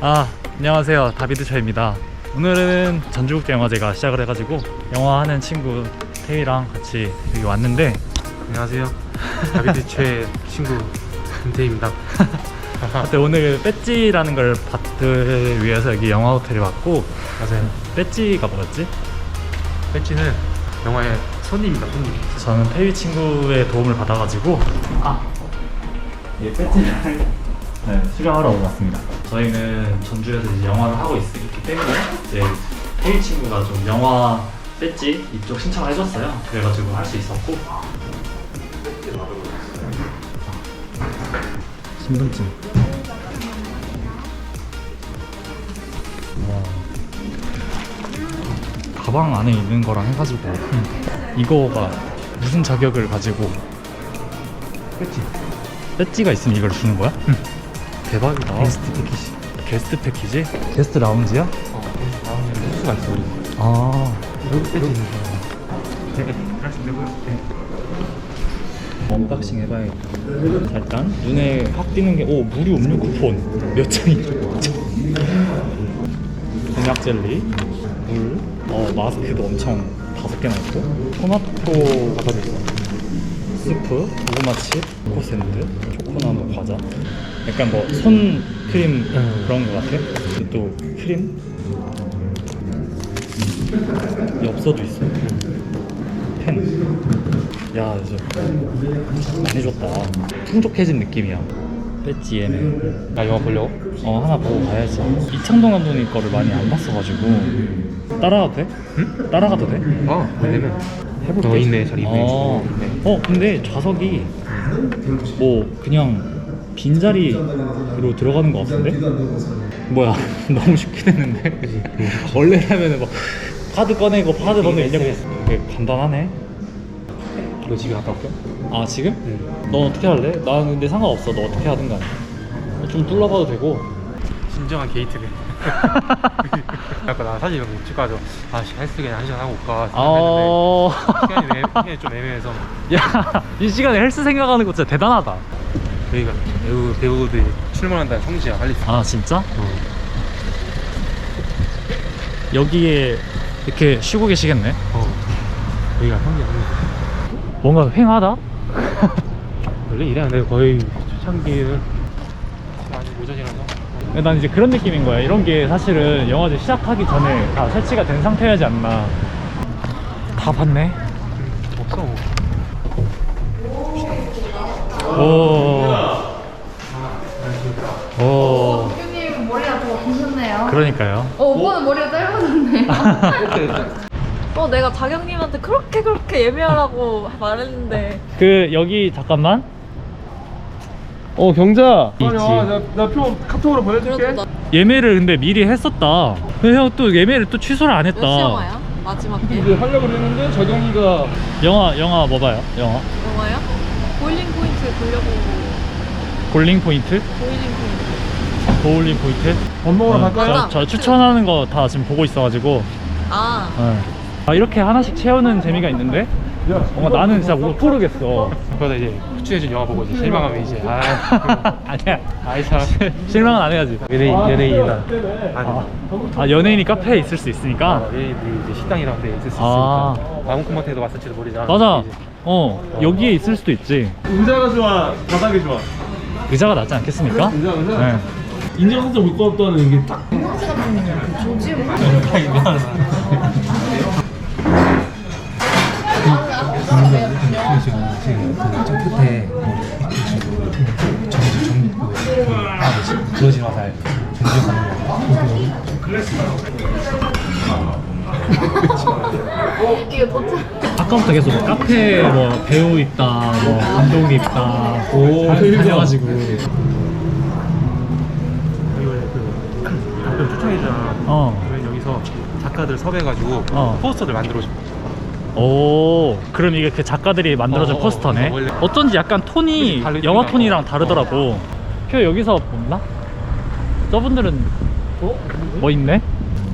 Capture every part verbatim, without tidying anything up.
아, 안녕하세요. 다비드 차입니다. 오늘은 전주국제영화제가 시작을 해가지고 영화하는 친구 태희랑 같이 여기 왔는데, 안녕하세요. 다비드 최 친구 김태희입니다. 그때 오늘 배지라는 걸 받기 위해서 여기 영화 호텔에 왔고. 맞아요. 배지가 뭐였지? 배지는 영화의 손님입니다. 손님. 저는 태희 친구의 도움을 받아가지고 아, 예, 배지를 네, 수령하러 왔습니다. 저희는 전주에서 이제 영화를 하고 있, 있기 때문에 이제 태희 친구가 좀 영화 배지 이쪽 신청을 해줬어요. 그래가지고 할 수 있었고. 신분증. 와. 가방 안에 있는 거랑 해가지고 음. 이거가 무슨 자격을 가지고 배지. 배지가 있으면 이걸 주는 거야? 응. 대박이다. 게스트 패키지. 게스트 패키지? 게스트 라운지야? 어, 나오면 수가 있어 우리. 아, 여기 배지 있는 거. 네, 할수 있는 거요. 네. 언박싱 해봐야겠다. 일단 눈에 확 띄는 게, 오, 무료 음료 쿠폰 몇 장이죠? 곤약 젤리, 물, 어, 마스크도 엄청 다섯 개나 있고, 토마토 과자도 있어. 스프, 고구마칩, 코코 샌드, 초코나무 과자. 약간 뭐 손 크림 음. 그런 거 같아. 그리고 또 크림, 엽서도 있어. 펜. 야, 이제 많이 줬다. 풍족해진 느낌이야. 배지 예매. 나 영화 보려고? 어, 하나 보고 가야지. 이창동 감독님 거를 많이 안 봤어가지고. 따라가도 돼? 응? 따라가도 돼? 어, 왜냐면 해볼게. 어, 있네, 잘 있네. 어, 있네. 어, 근데 좌석이 뭐 그냥 빈자리로 들어가는 것 같은데? 뭐야, 너무 쉽게 됐는데? 원래라면은 막 카드 꺼내고 카드 번호 입력했 되게 간단하네. 너 집에 갔다 올게. 아, 지금? 응. 넌 어떻게 할래? 나는 근데 상관없어. 너 어떻게 하든 간에. 좀 둘러봐도 되고. 진정한 게이트네. 아까 나 사진 이런 거 찍고 가서 아씨 헬스 그냥 한 시간 하고 올까 어... 생각했는데 시간이, 애, 시간이 좀 애매해서. 야, 이 시간에 헬스 생각하는 거 진짜 대단하다. 여기가 배우, 배우들이 출몰한다는 성지야. 빨리. 아, 진짜? 어. 여기에 이렇게 쉬고 계시겠네? 어. 여기가 성지야. 성지. 뭔가 휑하다? 원래 이래. 내가 거의 초창기는 아직 오전이라서. 난 이제 그런 느낌인 거야. 이런 게 사실은 영화제 시작하기 전에 다 설치가 된 상태여야지 않나. 다 봤네. 없어. 오. 오. 대표님 머리가 더 기셨네요. 그러니까요. 어, 오빠는 머리가 짧아졌네요. 어, 내가 자경님한테 그렇게 그렇게 예매하라고 말했는데. 그 여기 잠깐만. 어 경자 있지. 나표 카톡으로 보내줄게. 그래도 나 예매를 근데 미리 했었다. 근데 형 또 예매를 또 취소를 안 몇 시 했다. 영화야? 마지막 게? 이제 하려고 그랬는데 저경이가 영화 영화 뭐 봐요? 영화 영화요? 보일링 포인트 보려고. 골링 포인트? 보일링 포인트. 보울링 포인트? 밥 먹으러 어, 갈까요? 저, 저 추천하는 거 다 지금 보고 있어가지고. 아, 어. 아, 이렇게 하나씩 채우는 재미가 있는데 뭔가 나는 진짜 못 고르겠어. 그러다 이제 추천해준 영화 보고 이제 실망하면 이제 아 아니야. 아이 참 실망은 안 해야지. 연예인 연예인이나 아, 아, 연예인이 카페에 있을 수 있으니까. 연예인들이 이제 식당이랑 데 있을 수 있으니까 아. 아무 콘서트에도 왔을지도 모르잖아. 맞아. 이제. 어, 여기에 있을 수도 있지. 의자가 좋아 바닥이 좋아. 의자가 낫지 않겠습니까? 의자 의자. 네. 인정해서 못 고맙다는 이게 딱. 지금 지금 그저 끝에 정정아 뭐지 부러진 화살 정주하는 거. 이게 도착. 아까부터 계속 뭐 카페 뭐 배우 있다, 뭐 감독이 있다, 오, 다녀가지고. 여기 원래 그 가끔 추천해주잖아. 어. 그러면 여기서 작가들 섭외해가지고 어. 포스터를 만들어줘. 오, 그럼 이게 그 작가들이 만들어준 어, 어, 포스터네. 어, 원래- 어쩐지 약간 톤이 다르- 영화 다르니까. 톤이랑 다르더라고. 표 여기서 없나? 저분들은 뭐 있네?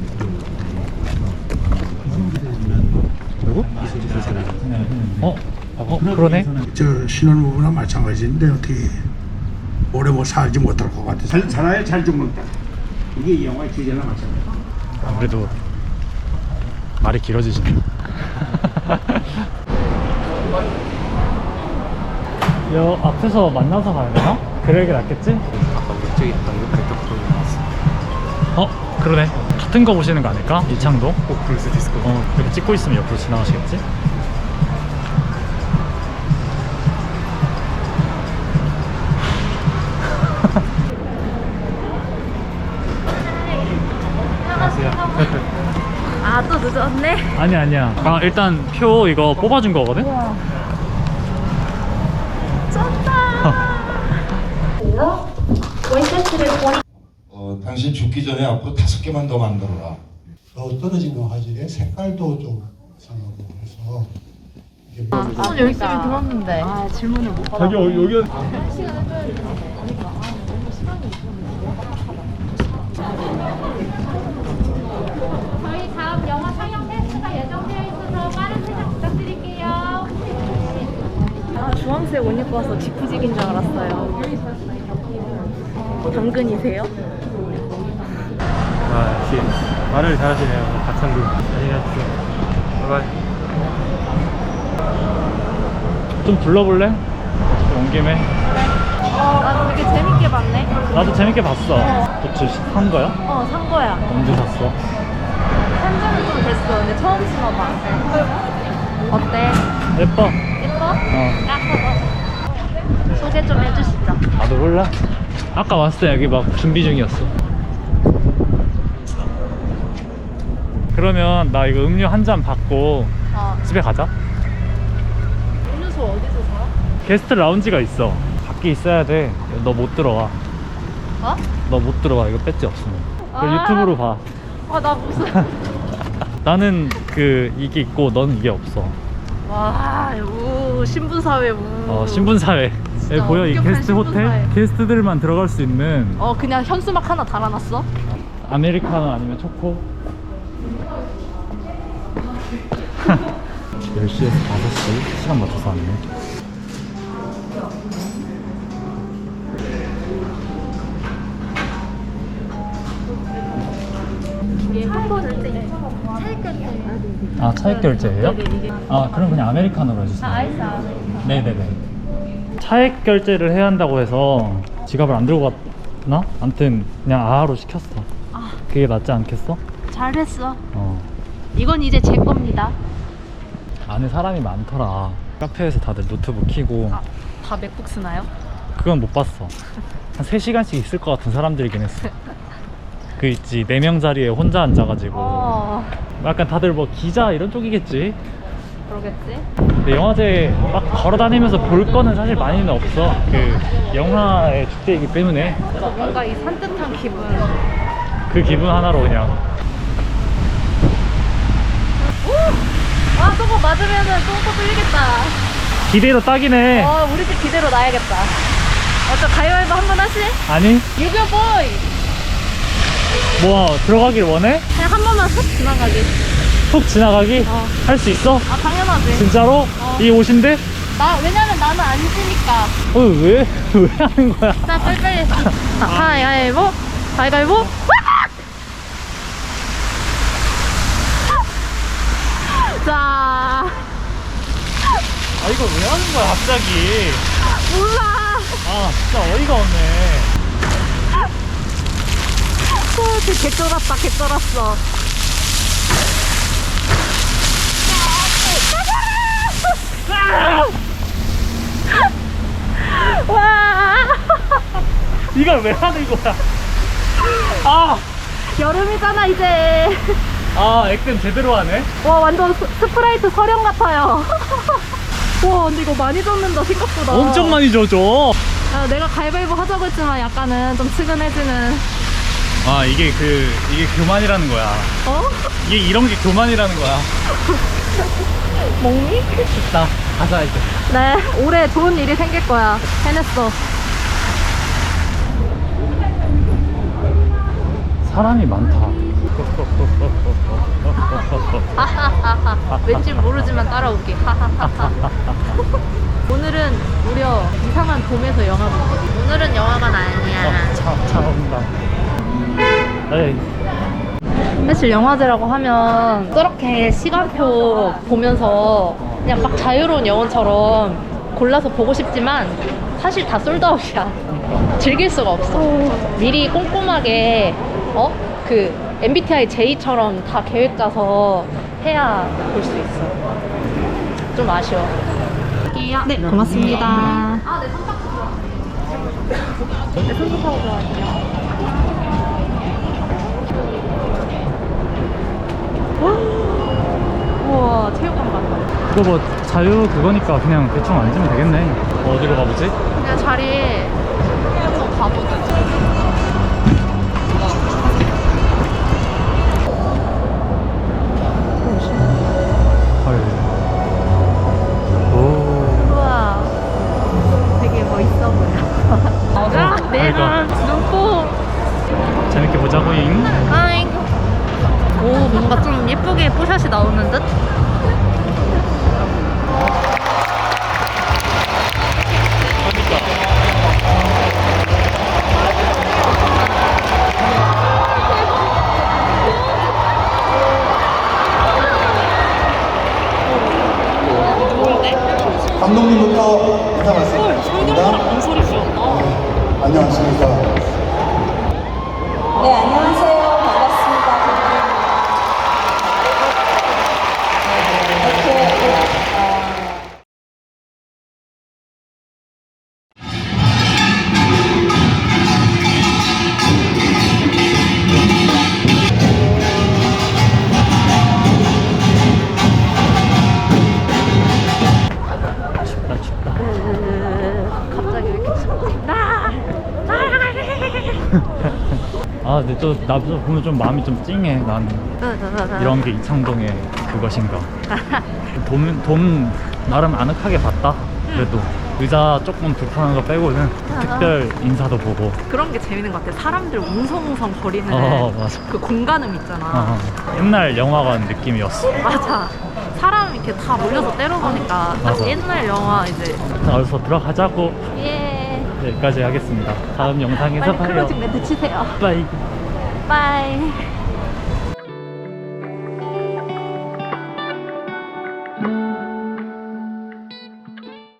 누구? 이순재 선생님. 어? 어? 그러네? 저 신혼부부나 마찬가지인데 어떻게 오래 뭐 살지 못할 것 같아. 살, 살아야 잘 죽는다. 이게 이 영화의 주제랑 맞잖아요. 아무래도 말이 길어지시네. 여 앞에서 만나서 가야 되나? 그래 게 낫겠지? 아까 우리 저기 방금 그랬던 프로그램 나왔어. 어? 그러네. 같은 거 보시는 거 아닐까? 이창도? 꼭 그럴 수도 있을 것 같아. 어, 이렇게 찍고 있으면 옆으로 지나가시겠지? 아, 또 늦었네. 아니야 아니야. 아 일단 표 이거 뽑아준 거거든? 어, 당신 죽기 전에 앞으로 다섯 개만 더 만들어라. 더 떨어지는 화질의 색깔도 좀 이상하고 해서 이게 뭐 아, 열심히 들었는데. 아, 질문을 못 받아. 자기 어, 여기 저희 다음 영화 상영 테스트가 예정되어 있어서 빠른 퇴장 부탁드릴게요. 아, 주황색 옷 입고 와서 지푸직인 줄 알았어요. 당근이세요? 아, 역시 말을 잘하시네요. 박창근. 안녕히 가십시오. 바이바이. 좀 둘러볼래? 온 김에. 어, 나 되게 재밌게 봤네. 나도 재밌게 봤어. 고추 산 거야? 어, 산 거야. 언제 샀어? 산지는 좀 됐어. 근데 처음 신어봐. 어때? 예뻐. 예뻐? 어. 소개 좀 해주시죠. 나도 몰라. 아까 왔을 때 여기 막 준비 중이었어. 그러면 나 이거 음료 한 잔 받고 어, 집에 가자. 음료수 어디서 사? 게스트 라운지가 있어. 밖에 있어야 돼. 너 못 들어와. 어? 너 못 들어와. 이거 배지 없으면. 그거 아. 유튜브로 봐. 아, 나 무슨. 나는 그 이게 있고 넌 이게 없어. 와, 우, 신분사회, 우. 어, 신분사회. 여기 보여? 이 엄격한 게스트 호텔? 신분사회. 게스트들만 들어갈 수 있는 어, 그냥 현수막 하나 달아놨어? 아메리카노 아니면 초코? 열 시에서 다섯 시 시간 맞춰서 왔네. 아, 차액 결제예요? 아, 그럼 그냥 아메리카노로 해주세요. 아이스. 네네네. 차액 결제를 해야 한다고 해서 지갑을 안 들고 갔나? 아무튼 그냥 아하로 시켰어. 아. 그게 낫지 않겠어? 잘했어. 어. 이건 이제 제 겁니다. 안에 사람이 많더라. 카페에서 다들 노트북 켜고. 아, 다 맥북 쓰나요? 그건 못 봤어. 한 세 시간씩 있을 것 같은 사람들이긴 했어. 그 있지, 네 명 자리에 혼자 앉아가지고. 어, 약간 다들 뭐 기자 이런 쪽이겠지? 그러겠지? 근데 영화제 막 걸어다니면서 볼 거는 사실 많이는 없어. 그 영화의 축제이기 때문에 그래서 뭔가 이 산뜻한 기분. 그 기분 하나로 그냥. 아, 저거 맞으면은 똥꼬 뚫리겠다. 기대도 딱이네. 어, 우리 집 기대로 놔야겠다. 어쩌 가위바위보 한번 하시? 아니? 유교 보이! 뭐 들어가길 원해? 그냥 한 번만 슥 지나가기. 훅 지나가기? 어. 할 수 있어? 아, 당연하지. 진짜로? 어. 이 옷인데? 나, 왜냐면 나는 안 지니까. 어, 왜? 왜 하는 거야? 자, 빨리빨리. 자, 가위바위보. 가위바위보. 자, 아, 이거 왜 하는 거야 갑자기? 몰라. 아, 진짜 어이가 없네. 어, 개 쫄았다, 개 쫄았어. 와, 이걸 왜 하는 거야? 아! 여름이잖아 이제. 아, 액땜 제대로 하네? 와, 완전 스, 스프라이트 서령 같아요. 와, 근데 이거 많이 젖는다 생각보다. 엄청 많이 젖어. 야, 내가 가위바위보 하자고 했지만 약간은 좀 측은해지는. 아, 이게 그, 이게 교만이라는 거야. 어? 이게 이런 게 교만이라는 거야. 먹니? 나 가자, 이제. 네, 올해 좋은 일이 생길 거야. 해냈어. 사람이 많다. 왠지 모르지만 따라올게. 오늘은 무려 이상한 돔에서 영화 보기. 오늘은 영화관 아니야. 차, 차 온다. 에이. 사실 영화제라고 하면 저렇게 시간표 보면서 그냥 막 자유로운 영화처럼 골라서 보고 싶지만 사실 다 솔드아웃이야. 즐길 수가 없어. 미리 꼼꼼하게 어? 그 엠비티아이 제이처럼 다 계획 짜서 해야 볼 수 있어. 좀 아쉬워. 네, 고맙습니다. 아, 네, 선착 좋아. 네, 선착하고 좋아할게요. 우와, 체육관 같다. 이거 뭐 자유 그거니까 그냥 대충 앉으면 되겠네. 어디로 가보지? 그냥 자리에 한번 가보자. 헐. 오. 우와, 되게 멋있어 보여. 아, 내 그러니까. 눈뽕. 재밌게 보자고잉. 아잉. 오, 뭔가 좀 예쁘게 뽀샷이 나오는 듯? 감독님부터 인사 말씀드립니다. 뭔 소리 지었나? 안녕하십니까. 네, 안녕하세요. 반갑습니다. 이렇게 어, 춥다 춥다. 갑자기 왜 이렇게 춥지? 나! 날아갈래! 아 근데 또 나도 보면 좀 마음이 좀 찡해. 난 이런 게 이창동의 그것인가. 돈, 돈 나름 아늑하게 봤다. 그래도 의자 조금 불편한 거 빼고는 특별 인사도 보고. 그런 게 재밌는 것 같아. 사람들 웅성웅성 거리는 어 맞아. 그 공간음 있잖아. 어, 옛날 영화관 느낌이었어. 맞아. 사람 이렇게 다 몰려서 때려보니까 딱 맞아. 옛날 영화 이제. 어서 들어가자고. 예. 여기까지 하겠습니다. 다음 영상에서 빨리 봐요. 클로징 멘트 치세요. 빠이. 빠이.